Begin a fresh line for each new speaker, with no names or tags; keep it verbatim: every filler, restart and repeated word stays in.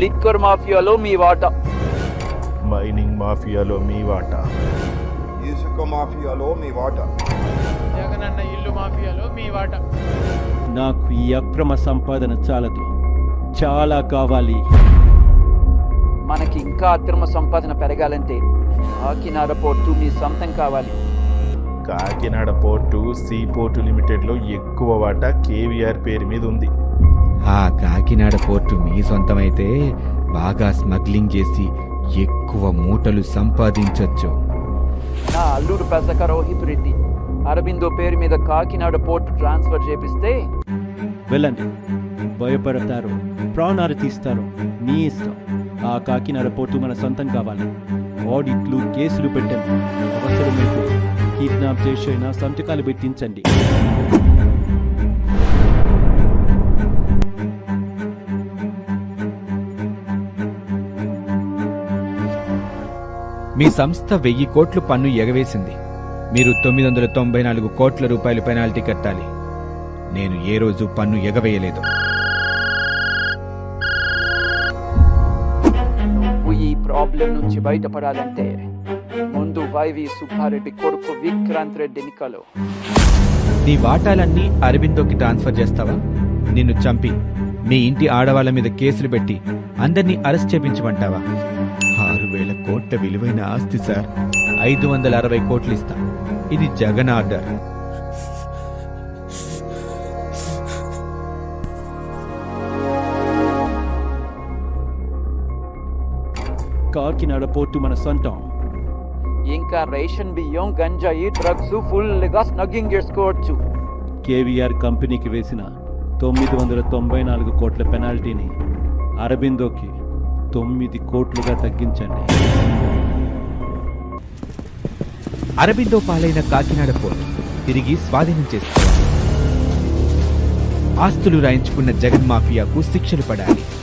Liquor మాఫియాలో మీ వాటా,
mining మాఫియాలో మీ వాటా,
ఇసుక మాఫియాలో మీ వాటా,
జగనన్న ఇల్లు మాఫియాలో మీ వాటా.
నాకు ఈ అక్రమ సంపాదన చాలదు, చాలా కావాలి.
మనకి ఇంకా అక్రమ సంపాదన పెరగాలంటే కాకినాడ పోర్టు మీ సొంతం కావాలి.
కాకినాడ పోర్టు సీ పోర్టు లిమిటెడ్లో ఎక్కువ వాటా కేవీఆర్ పేరు మీద ఉంది.
ఆ కాకినాడ పోర్టు మీ సొంతమైతే బాగా స్మగ్లింగ్ చేసి ఎక్కువ మూటలు సంపాదించొచ్చు.
నా అల్లుడు పెసక రోహిత్ రెడ్డి అరబిందో పేరు మీద కాకినాడ పోర్టు ట్రాన్స్ఫర్ చేపిస్తే
వెళ్ళండి, భయపడతారు, ప్రాణాలు తీస్తారు, మీ ఇష్టం. ఆ కాకినాడ పోర్టు మన సొంతం కావాలి. ఆడిట్లు, కేసులు పెట్టండి, అవసరమైతే కిడ్నాప్ చేసైనా సంతకాలు పెట్టించండి.
మీ సంస్థ వెయ్యి కోట్లు పన్ను ఎగవేసింది. మీరు తొమ్మిది వందల తొంభై నాలుగు కోట్ల రూపాయలు పెనాల్టీ కట్టాలి. నేను ఏ రోజు పన్ను ఎగవేయలేదు.
నువ్వు ఈ ప్రాబ్లం నుంచి బయటపడాలంటే ముందు వైవి సుబ్బారెడ్డి కొడుకు విక్రాంత్ రెడ్డిని కలు.
నీ వాటాలన్నీ అరబిందోకి ట్రాన్స్ఫర్ చేస్తావా? నిన్ను చంపి మీ ఇంటి ఆడవాళ్ల మీద కేసులు పెట్టి అందరినీ అరెస్ట్ చేపించమంటావా? ఆరు వేల కోట్ల విలువైన ఆస్తి సార్. ఐదు వందల అరవై కోట్లు ఇస్తా. ఇది జగన్ ఆర్డర్.
కాకినాడ పోర్టు మన సొంతం.
ఇంకా రేషన్ బియ్యం, గంజాయి, డ్రగ్స్ ఫుల్గా స్నగ్గింగ్ చేసుకోవచ్చు.
కేవీఆర్ కంపెనీకి వేసిన తొమ్మిది వందల తొంభై నాలుగు కోట్ల పెనాల్టీని అరబిందోకి తొమ్మిది కోట్లుగా తగ్గించండి.
అరబిందో పాలైన కాకినాడ పోర్టు తిరిగి స్వాధీనం చేసుకోవాలి. ఆస్తులు రాయించుకున్న జగన్ మాఫియాకు శిక్షలు పడాలి.